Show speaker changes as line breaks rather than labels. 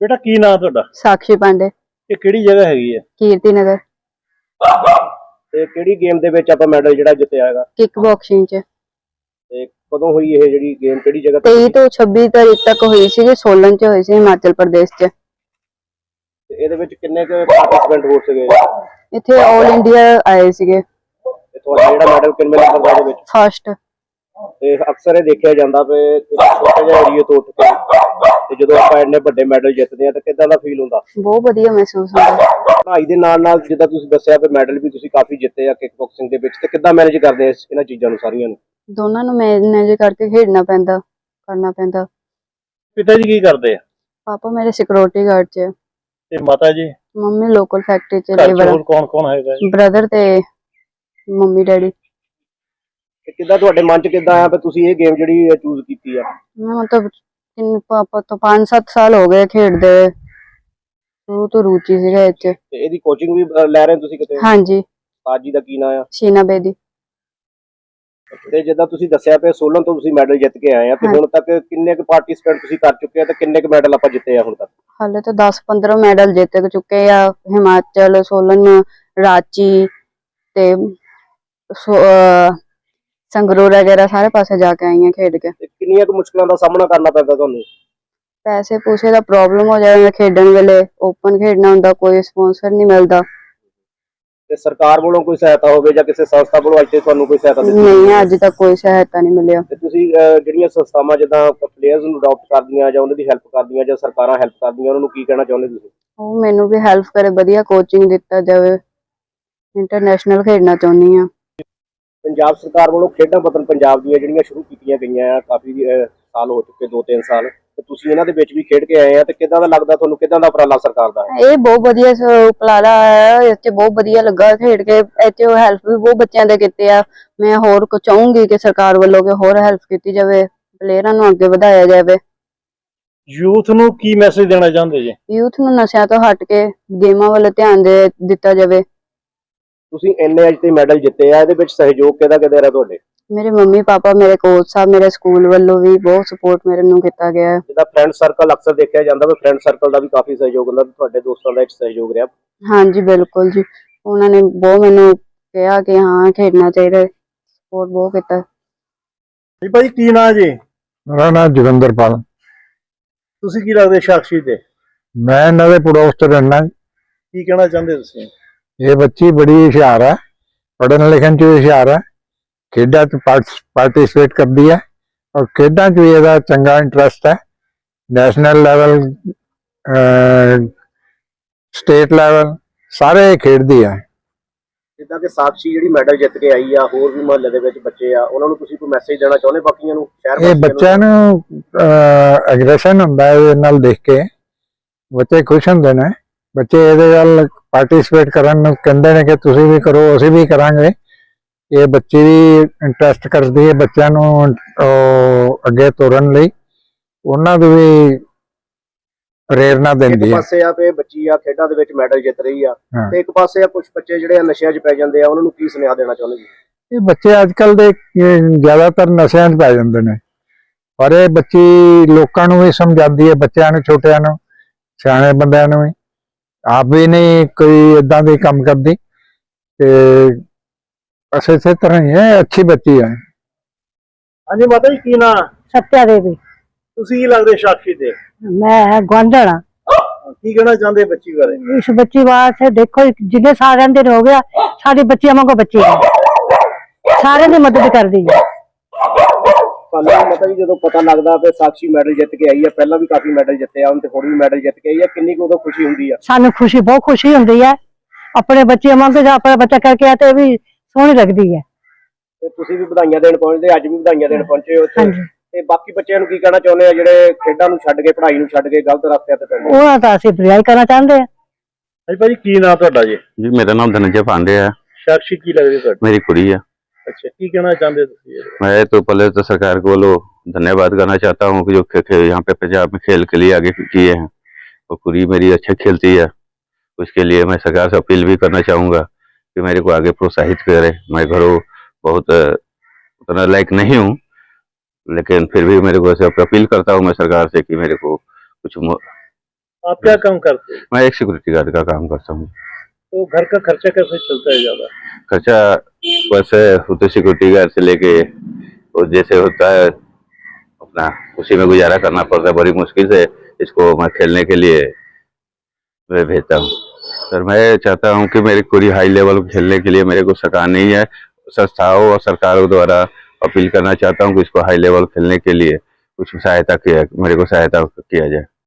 बेटा की नाम ਤੁਹਾਡਾ?
साक्षी पांडे,
ਇਹ ਕਿਹੜੀ ਜਗ੍ਹਾ ਹੈਗੀ ਹੈ
कीर्ति नगर,
ਤੇ ਕਿਹੜੀ ਗੇਮ ਦੇ ਵਿੱਚ ਆਪਾਂ ਮੈਡਲ ਜਿਹੜਾ ਜਿੱਤਿਆ ਹੈਗਾ
किक बॉक्सिंग च
ਤੇ ਕਦੋਂ ਹੋਈ ਇਹ ਜਿਹੜੀ ਗੇਮ ਕਿਹੜੀ ਜਗ੍ਹਾ ਤੇ
23 ਤੋਂ 26 ਤਾਰੀਖ ਤੱਕ ਹੋਈ ਸੀ, ਸੋਲਨ ਚ ਹੋਈ ਸੀ, ਹਿਮਾਚਲ ਪ੍ਰਦੇਸ਼ ਚ।
ਤੇ ਇਹਦੇ ਵਿੱਚ ਕਿੰਨੇ ਕੁ ਪਾਰਟਿਸਪੈਂਟ ਹੋ ਸਕੇ
ਇੱਥੇ ਆਲ ਇੰਡੀਆ ਆਏ ਸੀਗੇ,
ਤੇ ਤੁਹਾਡਾ ਜਿਹੜਾ ਮੈਡਲ ਕਿੰਨੇ ਨੰਬਰ ਦਾ ਇਹਦੇ ਵਿੱਚ?
ਫਸਟ।
ਤੇ ਅਕਸਰ ਇਹ ਦੇਖਿਆ ਜਾਂਦਾ ਵੀ ਛੋਟੇ ਜਿਹੇ ਏਰੀਏ ਤੋਂ ਉੱਠ ਕੇ ਤੇ ਜਦੋਂ ਆਪਾਂ ਇੰਨੇ ਵੱਡੇ ਮੈਡਲ ਜਿੱਤਦੇ ਆ ਤਾਂ ਕਿੱਦਾਂ ਦਾ ਫੀਲ ਹੁੰਦਾ?
ਬਹੁਤ ਵਧੀਆ ਮਹਿਸੂਸ ਹੁੰਦਾ।
ਪੜ੍ਹਾਈ ਦੇ ਨਾਲ ਨਾਲ ਜਿੱਦਾਂ ਤੁਸੀਂ ਦੱਸਿਆ ਵੀ ਮੈਡਲ ਵੀ ਤੁਸੀਂ ਕਾਫੀ ਜਿੱਤੇ ਆ ਕਿਕ ਬਾਕਸਿੰਗ ਦੇ ਵਿੱਚ, ਤੇ ਕਿੱਦਾਂ ਮੈਨੇਜ ਕਰਦੇ ਆ ਇਹਨਾਂ ਚੀਜ਼ਾਂ ਨੂੰ ਸਾਰੀਆਂ ਨੂੰ?
ਦੋਨਾਂ ਨੂੰ ਮੈਨੇਜ ਕਰਕੇ ਖੇਡਣਾ ਪੈਂਦਾ, ਕਰਨਾ ਪੈਂਦਾ।
ਪਿਤਾ ਜੀ ਕੀ ਕਰਦੇ ਆ?
ਪਾਪਾ ਮੇਰੇ ਸਿਕਿਉਰਿਟੀ ਗਾਰਡ ਚ,
ਤੇ ਮਾਤਾ ਜੀ?
ਮੰਮੀ ਲੋਕਲ ਫੈਕਟਰੀ ਚ
ਘਰ 'ਚ
ਲੇਬਰ,
ਹੋਰ ਕੌਣ ਕੌਣ ਹੈਗਾ ਜੀ?
ਬ੍ਰਦਰ ਤੇ ਮੰਮੀ ਡੈਡੀ।
ਤੇ ਕਿੱਦਾਂ ਤੁਹਾਡੇ ਮਨ 'ਚ ਕਿੱਦਾਂ ਆਇਆ ਵੀ ਤੁਸੀਂ ਇਹ ਗੇਮ ਜਿਹੜੀ ਚੂਜ਼ ਕੀਤੀ ਆ?
ਮੈਂ ਮਤਲਬ ਪਾਪਾ ਤੋਂ 5-7 ਸਾਲ ਹੋ ਗਏ ਖੇਡਦੇ, ਸ਼ੁਰੂ ਤੋਂ ਰੁਚੀ ਸੀਗਾ ਇਹ ਚ।
ਤੇ ਇਹਦੀ ਕੋਚਿੰਗ ਵੀ ਲੈ ਰਹੇ ਹੋ ਤੁਸੀਂ ਕਿਤੇ?
ਹਾਂਜੀ,
ਉਸਤਾਦ ਜੀ ਦਾ ਕੀ ਨਾਮ ਆ?
ਸ਼ੀਨਾ ਬੇਦੀ।
ਤੇ ਜਿੱਦਾਂ ਤੁਸੀਂ ਦੱਸਿਆ ਪਿਆ ਸੋਲਨ ਤੋਂ ਤੁਸੀਂ ਮੈਡਲ ਜਿੱਤ ਕੇ ਆਏ ਆ, ਤੇ ਹੁਣ ਤੱਕ ਕਿੰਨੇ ਕੁ ਪਾਰਟਿਸਪੈਂਟ ਤੁਸੀਂ ਕਰ ਚੁੱਕੇ ਆ ਤੇ ਕਿੰਨੇ ਕੁ ਮੈਡਲ ਆਪਾਂ ਜਿੱਤੇ ਆ ਹੁਣ ਤੱਕ?
ਹਾਲੇ ਤਾਂ 10-15 ਮੈਡਲ ਜਿੱਤ ਚੁੱਕੇ ਆ, ਹਿਮਾਚਲ, ਸੋਲਨ, ਰਾਂਚੀ ਤੇ ਸੰਗਰੂਰ ਵਗੈरह ਸਾਰੇ ਪਾਸੇ ਜਾ ਕੇ ਆਈ ਆ ਖੇਡ ਕੇ।
ਤੇ ਕਿੰਨੀਆਂ ਕੁ ਮੁਸ਼ਕਲਾਂ ਦਾ ਸਾਹਮਣਾ ਕਰਨਾ ਪੈਂਦਾ ਤੁਹਾਨੂੰ?
ਪੈਸੇ ਪੂਸੇ ਦਾ ਪ੍ਰੋਬਲਮ ਹੋ ਜਾਂਦਾ ਖੇਡਣ ਵੇਲੇ, ਓਪਨ ਖੇਡਣਾ ਹੁੰਦਾ, ਕੋਈ ਸਪਾਂਸਰ ਨਹੀਂ ਮਿਲਦਾ।
ਤੇ ਸਰਕਾਰ ਵੱਲੋਂ ਕੋਈ ਸਹਾਇਤਾ ਹੋਵੇ ਜਾਂ ਕਿਸੇ ਸੰਸਥਾ ਵੱਲੋਂ ਅੱਜ ਤੇ ਤੁਹਾਨੂੰ ਕੋਈ ਸਹਾਇਤਾ ਦਿੱਤੀ?
ਨਹੀਂ, ਅੱਜ ਤੱਕ ਕੋਈ ਸਹਾਇਤਾ ਨਹੀਂ ਮਿਲਿਆ।
ਤੇ ਤੁਸੀਂ ਜਿਹੜੀਆਂ ਸੰਸਥਾਵਾਂ ਜਿੱਦਾਂ ਪਲੇਅਰਸ ਨੂੰ ਅਡਾਪਟ ਕਰਦੀਆਂ ਜਾਂ ਉਹਨਾਂ ਦੀ ਹੈਲਪ ਕਰਦੀਆਂ ਜਾਂ ਸਰਕਾਰਾਂ ਹੈਲਪ ਕਰਦੀਆਂ, ਉਹਨਾਂ ਨੂੰ ਕੀ ਕਹਿਣਾ ਚਾਹੁੰਦੇ ਤੁਸੀਂ?
ਉਹ ਮੈਨੂੰ ਵੀ ਹੈਲਪ ਕਰੇ, ਵਧੀਆ ਕੋਚਿੰਗ ਦਿੱਤਾ ਜਾਵੇ, ਇੰਟਰਨੈਸ਼ਨਲ ਖੇਡਣਾ ਚਾਹੁੰਦੀ ਆ।
ਪੰਜਾਬ ਸਰਕਾਰ ਵੱਲੋਂ ਖੇਡਾਂ ਵਤਨ ਪੰਜਾਬ ਦੀਆਂ ਜਿਹੜੀਆਂ ਸ਼ੁਰੂ ਕੀਤੀਆਂ ਗਈਆਂ ਆ, ਕਾਫੀ ਸਾਲ ਹੋ ਚੁੱਕੇ, 2-3 ਸਾਲ, ਤੇ ਤੁਸੀਂ ਇਹਨਾਂ ਦੇ ਵਿੱਚ ਵੀ ਖੇਡ ਕੇ ਆਏ ਆ, ਤੇ ਕਿੱਦਾਂ ਦਾ ਲੱਗਦਾ ਤੁਹਾਨੂੰ? ਕਿੱਦਾਂ ਦਾ ਉਪਰਾਲਾ ਸਰਕਾਰ ਦਾ?
ਇਹ ਬਹੁਤ ਵਧੀਆ ਉਪਰਾਲਾ ਹੈ, ਇੱਥੇ ਬਹੁਤ ਵਧੀਆ ਲੱਗਾ ਖੇਡ ਕੇ। ਇੱਥੇ ਹੈਲਪ ਵੀ ਬਹੁਤ ਬੱਚਿਆਂ ਦੇ ਕੀਤੇ ਆ। ਮੈਂ ਹੋਰ ਕੁਝ ਚਾਹੂੰਗੀ ਕਿ ਸਰਕਾਰ ਵੱਲੋਂ ਕਿ ਹੋਰ ਹੈਲਪ ਕੀਤੀ ਜਾਵੇ, ਪਲੇਅਰਾਂ ਨੂੰ ਅੱਗੇ ਵਧਾਇਆ ਜਾਵੇ।
ਯੂਥ ਨੂੰ ਕੀ ਮੈਸੇਜ ਦੇਣਾ ਚਾਹੁੰਦੇ ਜੀ?
ਯੂਥ ਨੂੰ ਨਸ਼ਿਆਂ ਤੋਂ ਹਟ ਕੇ ਗੇਮਾਂ ਵੱਲ ਧਿਆਨ ਦਿੱਤਾ ਜਾਵੇ।
ਤੁਸੀਂ ਇੰਨੇ ਅੱਜ ਤੇ ਮੈਡਲ ਜਿੱਤੇ ਆ, ਇਹਦੇ ਵਿੱਚ ਸਹਿਯੋਗ ਕਿਹਦਾ ਕਿਹਦਾ ਰਿਹਾ ਤੁਹਾਡੇ?
ਮੇਰੇ ਮੰਮੀ ਪਾਪਾ, ਮੇਰੇ ਕੋਚ ਸਾਹਿਬ, ਮੇਰੇ ਸਕੂਲ ਵੱਲੋਂ ਵੀ ਬਹੁਤ ਸਪੋਰਟ ਮੇਰੇ ਨੂੰ ਕੀਤਾ ਗਿਆ ਹੈ।
ਜਿੱਦਾਂ ਫਰੈਂਡ ਸਰਕਲ ਅਕਸਰ ਦੇਖਿਆ ਜਾਂਦਾ ਵੀ ਫਰੈਂਡ ਸਰਕਲ ਦਾ ਵੀ ਕਾਫੀ ਸਹਿਯੋਗ ਹੁੰਦਾ, ਤੁਹਾਡੇ ਦੋਸਤਾਂ ਦਾ ਇੱਕ ਸਹਿਯੋਗ ਰਿਹਾ?
ਹਾਂਜੀ ਬਿਲਕੁਲ ਜੀ, ਉਹਨਾਂ ਨੇ ਬਹੁਤ ਮੈਨੂੰ ਕਿਹਾ ਕਿ ਹਾਂ ਖੇਡਣਾ ਚਾਹੀਦਾ, ਸਪੋਰਟ ਬਹੁਤ ਕੀਤਾ।
ਜੀ ਭਾਈ ਕੀ ਨਾਂ ਜੀ?
ਮੇਰਾ ਨਾਮ ਜੋਗਿੰਦਰਪਾਲ।
ਤੁਸੀਂ ਕੀ ਲੱਗਦੇ ਸਾਕਸ਼ੀ ਤੇ?
ਮੈਂ ਇਹਨਾਂ ਦੇ ਪੜੋਸ ਚ ਰਹਿਣਾ।
ਕੀ ਕਹਿਣਾ ਚਾਹੁੰਦੇ ਤੁਸੀਂ?
ਇਹ ਬੱਚੀ ਬੜੀ ਹੁਸ਼ਿਆਰ ਹੈ, ਪੜ੍ਹਨ ਲਿਖਣ ਚ ਵੀ ਹੁਸ਼ਿਆਰ ਹੈ, ਖੇਡਾਂ ਚ ਪਾਰਟਿਸਿਪੇਟ ਕਰਦੀ ਹੈ, ਔਰ ਖੇਡਾਂ ਚ ਵੀ ਇਹਦਾ ਚੰਗਾ ਇੰਟਰਸਟ ਹੈ। ਨੈਸ਼ਨਲ ਲੈਵਲ, ਸਟੇਟ ਲੈਵਲ ਸਾਰੇ ਖੇਡਦੀ ਹੈ।
ਜਿੱਦਾਂ ਕਿ ਸਾਕਸ਼ੀ ਜਿਹੜੀ ਮੈਡਲ ਜਿੱਤ ਕੇ ਆਈ ਆ, ਹੋਰ ਵੀ ਮੁਹੱਲੇ ਦੇ ਵਿੱਚ ਬੱਚੇ ਆ, ਉਹਨਾਂ ਨੂੰ ਤੁਸੀਂ ਕੋਈ ਮੈਸੇਜ ਦੇਣਾ ਚਾਹੁੰਦੇ ਬਾਕੀਆਂ ਨੂੰ, ਸ਼ਹਿਰ
ਇਹ ਬੱਚਿਆਂ ਨੂੰ ਐਗਰੈਸ਼ਨ ਹੁੰਦਾ ਹੈ, ਇਹਦੇ ਨਾਲ ਦੇਖ ਕੇ ਬੱਚੇ ਖੁਸ਼ ਹੁੰਦੇ ਨੇ। ਬੱਚੇ ਇਹਦੇ ਨਾਲ ਪਾਰਟਿਸਿਪੇਟ ਕਰਨ ਨੂੰ ਕਹਿੰਦੇ ਨੇ ਕਿ ਤੁਸੀਂ ਵੀ ਕਰੋ, ਅਸੀਂ ਵੀ ਕਰਾਂਗੇ। ਇਹ ਬੱਚੇ ਵੀ ਇੰਟਰਸਟ ਕਰਦੀ ਹੈ ਬੱਚਿਆਂ ਨੂੰ ਅੱਗੇ ਤੋਰਨ ਲਈ, ਉਹਨਾਂ ਨੂੰ ਵੀ ਪ੍ਰੇਰਨਾ ਦਿੰਦੀ
ਇੱਕ
ਹੈ।
ਪਾਸੇ ਆ ਤੇ ਬੱਚੀ ਆ ਖੇਡਾਂ ਦੇ ਵਿੱਚ ਮੈਡਲ ਜਿੱਤ ਰਹੀ ਆ,
ਹਾਂ।
ਤੇ ਇੱਕ ਪਾਸੇ ਆ ਕੁਝ ਬੱਚੇ ਜਿਹੜੇ ਆ ਨਸ਼ਿਆਂ 'ਚ ਪੈ ਜਾਂਦੇ ਆ, ਉਹਨਾਂ ਨੂੰ ਕੀ ਸੁਨੇਹਾ ਦੇਣਾ ਚਾਹੁੰਦੇ ਜੀ?
ਇਹ ਬੱਚੇ ਅੱਜ ਕੱਲ ਦੇ ਜ਼ਿਆਦਾਤਰ ਨਸ਼ਿਆਂ 'ਚ ਪੈ ਜਾਂਦੇ ਨੇ, ਪਰ ਇਹ ਬੱਚੀ ਲੋਕਾਂ ਨੂੰ ਵੀ ਸਮਝਾਉਂਦੀ ਹੈ, ਬੱਚਿਆਂ ਨੂੰ, ਛੋਟਿਆਂ ਨੂੰ, ਸਿਆਣੇ ਬੰਦਿਆਂ ਨੂੰ ਵੀ। ਆਪ ਵੀ ਨਹੀਂ ਕੋਈ ਏਦਾਂ ਦੇ ਕੰਮ ਕਰਦੀ, ਤੇ ਬਸ ਇਸੇ ਤਰ੍ਹਾਂ ਹੀ ਹੈ, ਅੱਛੀ ਬੱਚੀ ਹੈ।
ਹਾਂਜੀ ਮਾਤਾ ਜੀ ਕੀ ਨਾਂ?
सत्या देवी।
ਤੁਸੀਂ ਕੀ ਲੱਗਦੇ ਸਾਕਸ਼ੀ ਤੇ?
मैं ग्वांढण हाँ।
ਕੀ ਕਹਿਣਾ ਚਾਹੁੰਦੇ ਬੱਚੀ ਬਾਰੇ?
इस बच्ची वास्ते देखो जिन्हें सारे दिन हो गया, साडी बच्ची वांगू बच्ची है, सारे दी मदद कर दी है।
ਤੁਹਾਨੂੰ ਮਾਤਾ ਜੀ ਜਦੋਂ ਪਤਾ ਲੱਗਦਾ ਕਿ ਸਾਕਸ਼ੀ ਮੈਡਲ ਜਿੱਤ ਕੇ ਆਈ ਹੈ, ਪਹਿਲਾਂ ਵੀ ਕਾਫੀ ਮੈਡਲ ਜਿੱਤੇ ਆ, ਹੁਣ ਤੇ ਹੁਣ ਵੀ ਮੈਡਲ ਜਿੱਤ ਕੇ ਆਈ ਹੈ, किन्नी को उदों खुशी हुंदी है?
सानू खुशी, बहुत खुशी हुंदी है। अपने बच्चे वांगू जो अपना बच्चा करके आते भी सोहनी लगदी है।
ਤੇ ਤੁਸੀਂ ਵੀ ਵਧਾਈਆਂ ਦੇਣ ਪਹੁੰਚਦੇ, ਅੱਜ ਵੀ ਵਧਾਈਆਂ ਦੇਣ ਪਹੁੰਚੇ ਹੋ ਉੱਥੇ,
ਹਾਂਜੀ।
ਤੇ ਬਾਕੀ ਬੱਚਿਆਂ ਨੂੰ ਕੀ ਕਹਿਣਾ ਚਾਹੁੰਦੇ ਆ ਜਿਹੜੇ ਖੇਡਾਂ ਨੂੰ ਛੱਡ ਕੇ, ਪੜ੍ਹਾਈ ਨੂੰ ਛੱਡ ਕੇ ਗਲਤ ਰਸਤੇ ਤੇ ਪੈਂਦੇ?
ਉਹਨਾਂ ਦਾ ਅਸੀਂ ਬੁਰਾਈ ਕਰਨਾ ਚਾਹੁੰਦੇ हैं।
ਹਾਂਜੀ ਭਾਜੀ ਕੀ ਨਾਮ ਤੁਹਾਡਾ ਜੀ?
जी मेरा नाम धनंजय पांडे है।
ਸਾਕਸ਼ੀ ਕੀ ਲੱਗਦੀ ਤੁਹਾਡੀ?
मेरी कुड़ी है।
ਅੱਛਾ, ਕੀ ਕਹਿਣਾ ਚਾਹੁੰਦੇ ਤੁਸੀਂ?
मैं तो पहले तो सरकार को धन्यवाद करना चाहता हूँ कि जो यहाँ पे पंजाब में खेल के लिए आगे किए हैं, और कुड़ी मेरी अच्छा खेलती है। उसके लिए मैं सरकार से अपील भी करना चाहूँगा कि मेरे को आगे प्रोत्साहित करे। मैं घरों बहुत उतना लायक नहीं हूँ, लेकिन फिर भी मेरे को ऐसे अपील करता हूँ मैं सरकार से कि मेरे को कुछ
आप क्या काम करते हैं?
मैं एक सिक्योरिटी गार्ड का काम करता हूँ।
तो घर का खर्चा कैसे चलता है ज्यादा?
खर्चा वैसे होते सिक्योरिटी गार्ड से लेके वो जैसे होता है अपना उसी में गुजारा करना पड़ता है। बड़ी मुश्किल से इसको मैं खेलने के लिए मैं भेजता हूँ। सर मैं चाहता हूँ कि मेरी पूरी हाई लेवल खेलने के लिए मेरे को सरकार नहीं है, संस्थाओं और सरकारों द्वारा अपील करना चाहता हूँ कि इसको हाई लेवल खेलने के लिए कुछ सहायता किया, मेरे को सहायता किया जाए।